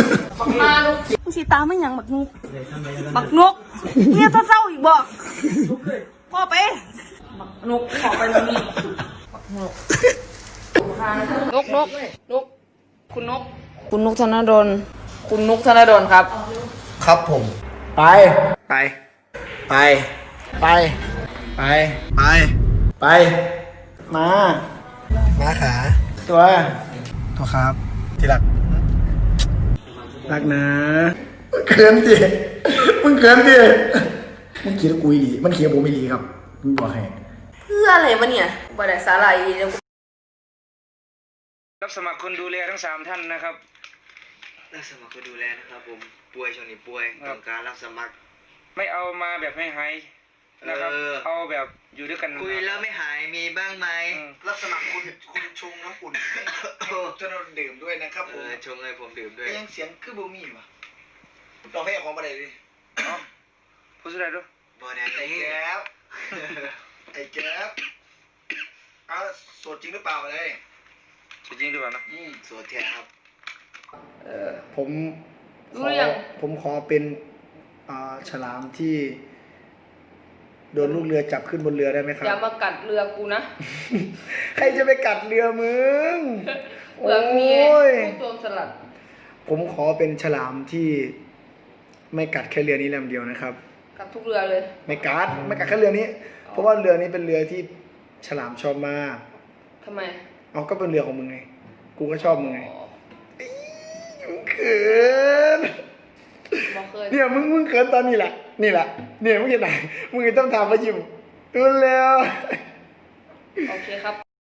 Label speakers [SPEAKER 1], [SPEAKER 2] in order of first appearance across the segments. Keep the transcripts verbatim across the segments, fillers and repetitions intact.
[SPEAKER 1] บักมาลูกมึงสีตาไม่ยังบักนุกบักนุกเนี่ยเศร้าอีกบ่พ่อไปบักนุกขอไปตรงนี้บักนุกนกนกนกคุณนกคุณนกธนดลคุณนกธนดลครับ
[SPEAKER 2] ครับผมไปไปไปไปไปไปไปมามาขาตัวตัวครับที่รักรักนะมึงเขินดิมึงเขินดิมึงคิดว่ากูอีหลีมันเขียนผมอีหลีครับมึงบอกให้
[SPEAKER 1] เพื่ออะไรวะเนี่ยบริษัทอะไร
[SPEAKER 3] รับสมัครคนดูแลทั้งสามท่านนะครับ
[SPEAKER 4] รับสมัครคนดูแลนะครับผมป่วยช่วงนี้ป่วยต้องการรับสมัคร
[SPEAKER 3] ไม่เอามาแบบให้หายนะครับเอาแบบอยู่ด้วยกัน
[SPEAKER 4] คุยแล้วไม่หายมีบ้างไหม
[SPEAKER 2] รับสมัครคุณคุณชงน้ำอุ่นจะนดื่มด้วยนะครับผม
[SPEAKER 4] ชงเลยผมดื่มด้วย
[SPEAKER 2] ยังเสียงคือบูมี่วะลองเพลงของมาเลยดิ
[SPEAKER 3] พูดสุดท้ายดู
[SPEAKER 4] บอแดน
[SPEAKER 2] ไอ้แก๊บไอ้แก๊บอ้าวสดจริงหรือเปล่าเลย
[SPEAKER 3] จริงหรือเปล่านะ
[SPEAKER 4] อืมสดแท้ครับ
[SPEAKER 2] เออผมขอผมขอเป็นฉลามที่โดนลูกเรือจับขึ้นบนเรือได้ไหมครับ
[SPEAKER 1] อย่ามากัดเรือกูนะ
[SPEAKER 2] ใครจะไปกัดเรือมึง
[SPEAKER 1] โอ้ยผู้โจรสลัด
[SPEAKER 2] ผมขอเป็นฉลามที่ไม่กัดแค่เรือนี้ลำเดียวนะครับ
[SPEAKER 1] กัดทุกเรือเลย
[SPEAKER 2] ไม่กัดไม่กัดแค่เรือนี้เพราะว่าเรือนี้เป็นเรือที่ฉลามชอบมาก
[SPEAKER 1] ทำไม
[SPEAKER 2] เอาก็เป็นเรือของมึงไงกูก็ชอบมึงไงมึงเขินเนี่ยมึงมึงเขินตอนนี้แหละนี่แหละเนี่ยมึงจะไหนมึงต้องทำมายิ้มดูแล้ว
[SPEAKER 1] โอเคครับ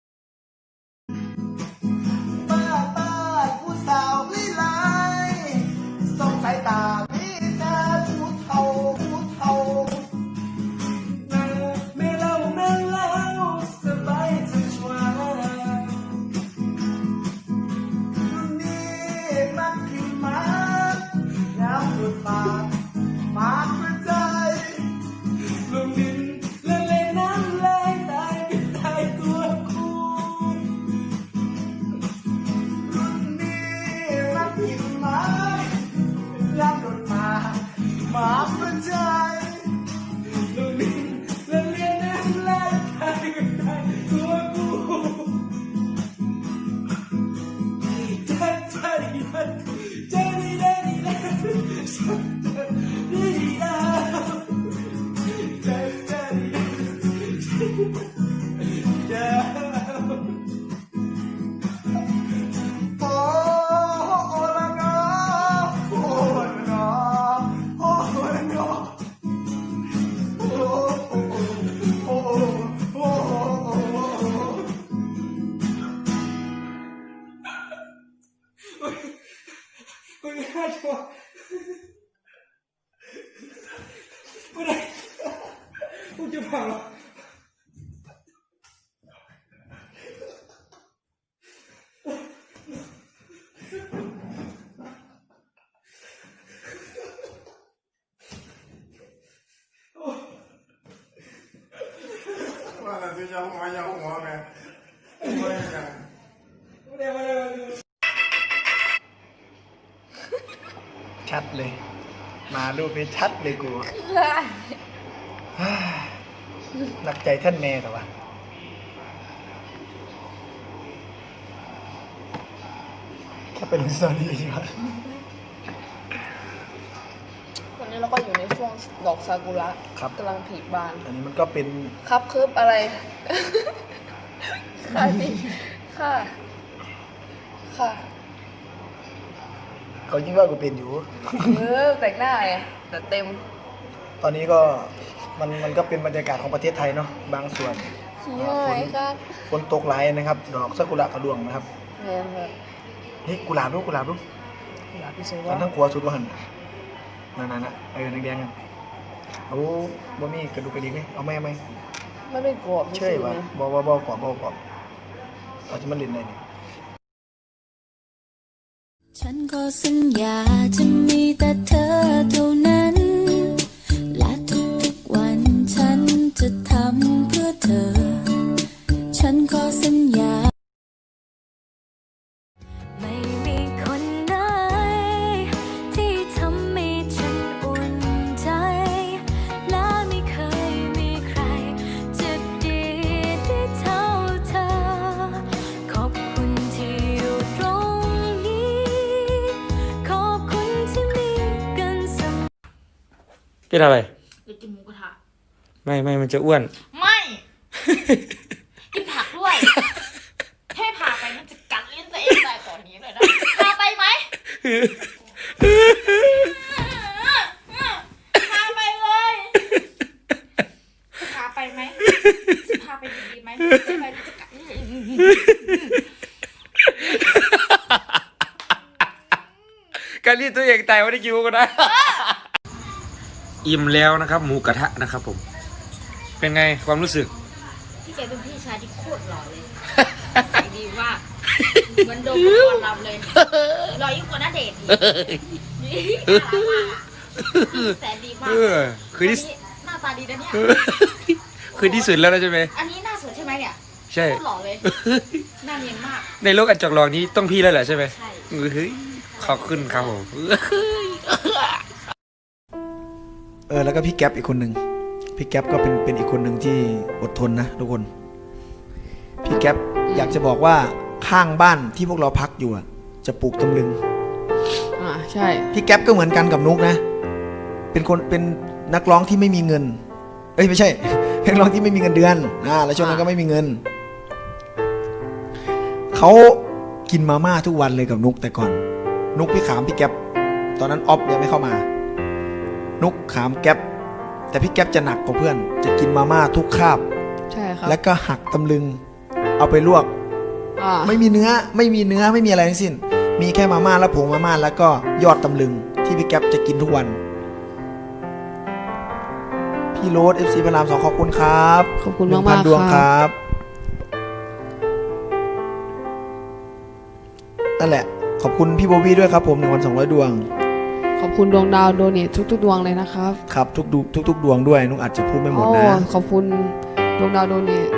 [SPEAKER 2] ป้าป้าผู้สาววิไลส่งสายตาพี่ตาผู้เฒ่าผู้เฒ่าไม่เล่าไม่เล่าสบายจังชัวรุ่นนี้มักขึ้นมาแล้วสุดปากมาเพื่อใจลงดินและเล่นน้ำไหลตายเป็นตายตัวคู่รุ่นนี้รักผิดมาแล้วโดนมามาเพื่อใจลงดินและเล่นน้ำไหลตายเป็นตายตัวคู่ใจใจใจดีได้ดีได้ดีอ่ะใจใจใจโอ้โอ้ละงอโอ้ละงอโอ้ละงอโอ้โอ้โอ้โอ้กูไม่ได้ชัวร์กูได้กูจะพังว่าแต่ที่จะหัวยังหัวแม่ไม่ได้ยังไม่ได้ไม่ได้ชัดเลยมารูปนี้ชัดเลยกูหนักใจท่านแม่แต่ว่าแค่เป็นสตอรี่ใช่ไหม
[SPEAKER 1] วันนี้เราก็อยู่ในช่วงดอกซากุระกำลังผลิบาน
[SPEAKER 2] อันนี้มันก็เป็น
[SPEAKER 1] ครับคืบอะไรค่ะสิค่ะค่ะ
[SPEAKER 2] เขายิ่งว่ากูเป็นอยู่
[SPEAKER 1] เออแต่งหน้าไงแต่เต็ม
[SPEAKER 2] ตอนนี้ก็มันมันก็เป็นบรรยากาศของประเทศไทยเนาะบางส่วน
[SPEAKER 1] ฝน
[SPEAKER 2] ฝนตกหลายนะครับดอกซากุระกระดวงนะครับ
[SPEAKER 1] แม่ครับ
[SPEAKER 2] เฮ้ยกุหลาบดูกุหลาบดู
[SPEAKER 1] กุหลาบที่สวย
[SPEAKER 2] ว่าทั้งขัวสุดว่าหันนั่นนั่นนะเออแดงๆเอาบ่มีกระดูกกระดิ่งไหมเอาแม่ไหม
[SPEAKER 1] ไม่เป็นกรอบ
[SPEAKER 2] เชื่อว่าบ่บ่บ่กรอบบ่กรอบเอาที่มันเล่นได้นี่
[SPEAKER 5] ฉันขอสัญญาจะมีแต่เธอเท่านั้นและทุกๆวันฉันจะทำเพื่อเธอฉันขอสัญญาไม่มีคนไหน
[SPEAKER 3] เป็นอะไร
[SPEAKER 1] อยากกินหมูกระทะ
[SPEAKER 3] ไม่ไม่มันจะอ้วน
[SPEAKER 1] ไม่ กินผักด้วยให้พาไปมันจะกัดลิ้นตัวเองได้ตอนนี้เลยนะพาไปไหมพาไปเลยจะพาไปไหมจะพาไปดีๆไหมไปไปจะกัด
[SPEAKER 3] การรีดตัวเองตายไม่ได้กินหมูกระทะอิ่มแล้วนะครับ หมูกระทะนะครับผม เป็นไงความรู้สึก
[SPEAKER 1] พี่แกเป็นพี่ชายที่โคตรหล่อเลยใส่ดีมากเหมือนโดมก่อนรับเลยหล่อยิ่งกว่าณเดชน์อีกน่ารักมากอ่ะแสนดีมาก
[SPEAKER 3] เออคือที่
[SPEAKER 1] หน้าตาดีนะเนี่ย
[SPEAKER 3] คือที่สุดแล้วนะใช่ไหม
[SPEAKER 1] อันนี้หน้าสวยใช่ไหมเนี่ย
[SPEAKER 3] ใช่
[SPEAKER 1] โคตรหล่อเลยหน้าเนียนมาก
[SPEAKER 3] ในโลกอันจอกหลอกนี้ต้องพี่แล้วแหละใช่ไหม
[SPEAKER 1] ใช่
[SPEAKER 3] เฮ้ยขอบคุณครับผม
[SPEAKER 2] เออแล้วก็พี่แก๊ปอีกคนหนึ่งพี่แก๊ปก็เป็นเป็นอีกคนหนึ่งที่อดทนนะทุกคน พี่แก๊ปอยากจะบอกว่าข้างบ้านที่พวกเราพักอยู่อะจะปลูกตำลึง
[SPEAKER 6] อ่าใช่
[SPEAKER 2] พี่แก๊ปก็เหมือนกันกับนุกนะ เป็นคนเป็นนักร้องที่ไม่มีเงิน เอ้ยไม่ใช่ เป็นนักร้องที่ไม่มีเงินเดือนอ่าแล้วช่วงนั้นก็ไม่มีเงิน เขากินมาม่าทุกวันเลยกับนุกแต่ก่อน นุกพี่ขามพี่แก๊ปตอนนั้นออฟยังไม่เข้ามา นุกขามแก๊ปแต่พี่แก๊ปจะหนักกว่าเพื่อน จะกินมาม่าทุกคาบ
[SPEAKER 6] ใช่ครับ
[SPEAKER 2] แล้วก็หักตำลึง เอาไปลวก
[SPEAKER 6] อ่า
[SPEAKER 2] ไม่มีเนื้อไม่มีเนื้อไม่มีอะไรทั้งสิ้น มีแค่มาม่าและผงมาม่าแล้วก็ยอดตำลึงที่พี่แก๊ปจะกินทุกวัน พี่โรสเอฟซีพระรามสองขอบคุณครับ
[SPEAKER 6] ขอบคุณ
[SPEAKER 2] หนึ่
[SPEAKER 6] มาก
[SPEAKER 2] งพั
[SPEAKER 6] มาน ก
[SPEAKER 2] ดวง
[SPEAKER 6] ค
[SPEAKER 2] ครับ รับนั่นแหละ ขอบคุณพี่โบวี่ด้วยครับผมหนึ่งพันสองร้อยดวง
[SPEAKER 6] ขอบคุณดวงดาวโดเนททุกๆดวงเลยนะครับ
[SPEAKER 2] ครับทุกดูทุกทุกดวงด้วยนุกอาจจะพูดไม่หมดนะ
[SPEAKER 6] โอ้ขอบคุณดวงดาวโดเนท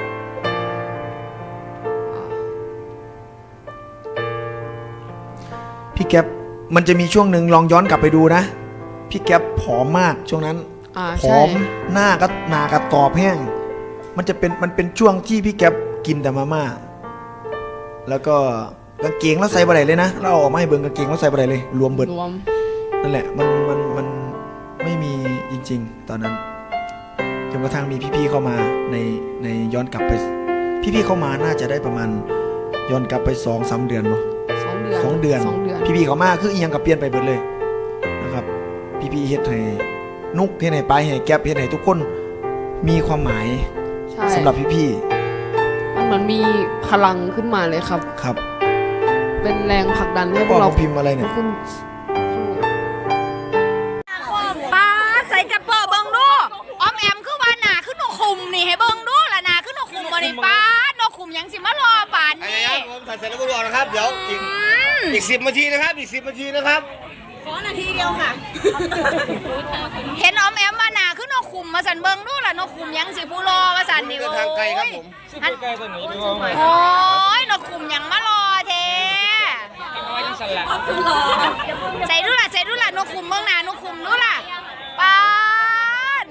[SPEAKER 2] พี่แก๊ปมันจะมีช่วงหนึ่งลองย้อนกลับไปดูนะ พี่แก๊ปผอมมากช่วงนั้น
[SPEAKER 6] อ่า
[SPEAKER 2] ผ
[SPEAKER 6] ใช่
[SPEAKER 2] อมหน้าก็หนากระตอบแห้ง มันจะเป็นมันเป็นช่วงที่พี่แก๊ปกินแต่มาม่าแล้วก็กางเกงแล้วใส่บะไรเลยนะเราเอาออกมาให้เบิ่งกางเกงแล้วใส่บะไรเลย รวมเบิด
[SPEAKER 6] รวม
[SPEAKER 2] นั่นแหละมันมันมันไม่มีจริงๆ ตอนนั้นจนกระทั่งมีพี่ๆเข้ามาในในย้อนกลับไป พี่ๆเข้ามาน่าจะได้ประมาณย้อนกลับไปสองสามเดือนเนาะ
[SPEAKER 6] สองเดือน
[SPEAKER 2] สองเดือน
[SPEAKER 6] สองเดือน
[SPEAKER 2] พี่ๆเขามาคืออีหยังกับเปลี่ยนไปเบิดเลยนะครับ พี่ๆเฮ็ดให้นุกเฮ็ดให้ปลายให้แก๊ปเฮ็ดให้ทุกคนมีความหมาย
[SPEAKER 6] ใช่
[SPEAKER 2] สำหรับพี่
[SPEAKER 6] มันเหมือนมีพลังขึ้นมาเลยครับ
[SPEAKER 2] ๆครับ
[SPEAKER 6] เป็นแรงผลักดันให้พ
[SPEAKER 2] พ่
[SPEAKER 6] ว
[SPEAKER 2] อก
[SPEAKER 6] เรา
[SPEAKER 2] เขาพิมพ์อะไรเนี่ย
[SPEAKER 6] ขึ้น
[SPEAKER 1] ป้าใส่กระเป๋าเบิ้งดูออมแอมคือว่าหนาขึ้นนกคุมนี่ให้เบิ้งดูละหนาขึ้นนกคุมบ่นี่ป้านกคุมยังสิมารอป่าน
[SPEAKER 4] ไอ้
[SPEAKER 1] นี่
[SPEAKER 4] ยักษ์ผมถ่ายเสร็จแล้วก็บอกนะครับ เดี๋ยวอีกอีกสิบนาทีนะครับ อีกสิบนาทีนะครับ
[SPEAKER 1] ขอนาทีเดียวค่ะ เห็นออมแอมมาหนาขึ้นนกคุมมาสันเบิ้งดูละนกคุมยังสิผู้รอมาสันนี่
[SPEAKER 4] เดินทางไกลครับผม
[SPEAKER 1] อันโอ้ยนกคุมยังมารอเทใส่ดูล่ะใส่ดูล่ะนกคุมเบิ้งหนานกคุมดูล่ะป้าน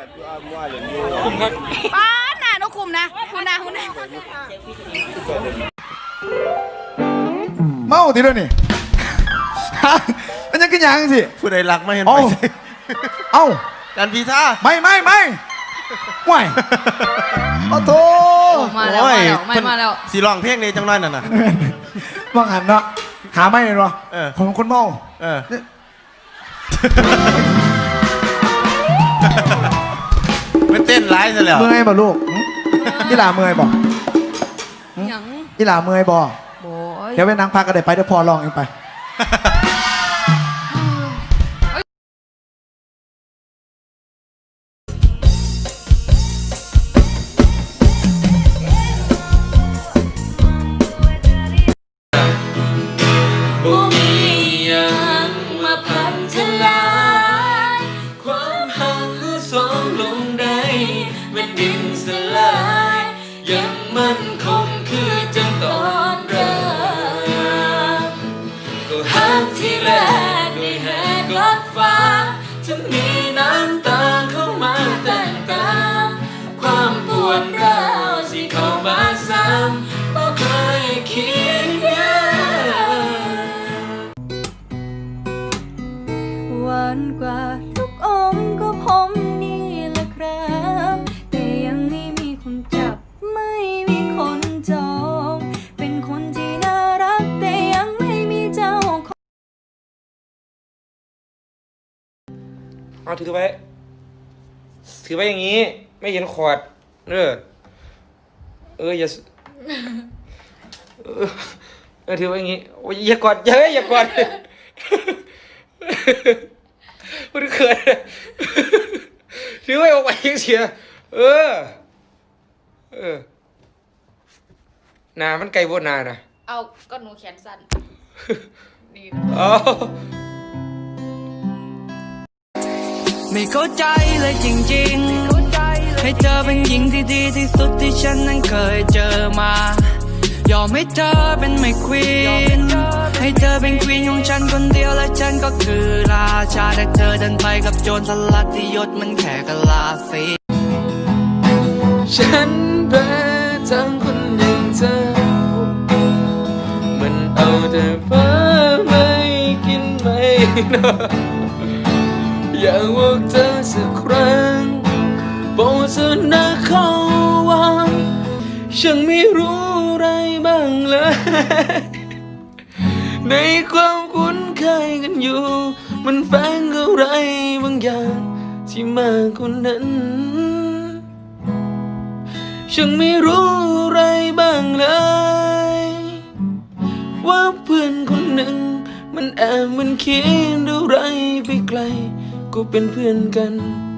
[SPEAKER 1] ป้านน่ะนกคุมนะคุณนะคุณนะ
[SPEAKER 2] เมาทีเดียวนี่ มันยังขึ้นยังสิ
[SPEAKER 4] ผู้ใดรักไม่เห็น
[SPEAKER 2] เอ้า
[SPEAKER 4] ไป
[SPEAKER 2] เอ้า
[SPEAKER 4] การพีท่า
[SPEAKER 2] ไม่ไม่ไม่ห่วยโอ้โถ
[SPEAKER 6] มาแล้วมาแล้วไม่มาแล้ว
[SPEAKER 4] สีร้องเพลงนี้จังน้อยน่ะนะ
[SPEAKER 2] ว่างหันเนาะหาไม่เลยเนาะ
[SPEAKER 4] เออ
[SPEAKER 2] ผมเป็นคนเมา
[SPEAKER 4] เออ ไม่เต้นร้ายซะแล้ว
[SPEAKER 2] เมื่อยบ่ลูกหึอีหลาเมื่อยบ่
[SPEAKER 6] หยัง
[SPEAKER 2] อีหลาเมื่อยบ่
[SPEAKER 6] โอ้ย
[SPEAKER 2] เดี๋ยวไปนั่งพักกันได้ไปเดี๋ยวพอลองเองไป
[SPEAKER 5] บ่มีหยังมาพังทลายความหักสองลงได้เมื่อดินสลายยังมั่นคงคือจังตอนเริ่มก็หักที่แรกด้วยแหกกอดฟ้าจะมีน้ำตาเข้ามาแต่งตามความปวดร้าวสิเข้ามาซ้ำบ่เคยคิดอยากหวานกว่าทุกอม
[SPEAKER 3] เอาถือไว้ถือไว้อย่างนี้ ไม่เห็นขวดเออเอออย่าเออเออถือไว้อย่างนี้โอ้ยอย่ากอดเยอะอย่ากอดมันเขินถือไว้ออกไปยังเสียเออเออนามันไกลโบนานะ
[SPEAKER 1] เอาก็หนูแขนสั้นดีนะ
[SPEAKER 3] เอา
[SPEAKER 7] ไม่เข้าใจเลยจริงๆให้เธอเป็นหญิงที่ดีที่สุดที่ฉันนั้นเคยเจอมายอมให้เธอเป็นไม่ควีนให้เธอเป็นควีนของฉันคนเดียวและฉันก็คือราชาแต่เธอเดินไปกับโจรสลัดที่ยศมันแค่กะลาสี
[SPEAKER 3] ฉันแพ้ทั้งคนอย่างเธอมันเอาแต่ฟ้าไม่กินไม่นอนอยากบอกเธอสักครั้งบอกเธอนะเขาว่าฉันไม่รู้อะไรบ้างเลยในความคุ้นเคยกันอยู่มันแฝงอะไรบางอย่างที่มากกว่านั้นฉันไม่รู้อะไรบ้างเลยว่าเพื่อนคนหนึ่งมันแอบมันคิดอะไรไปไกลก็เป็นเพื่อนกัน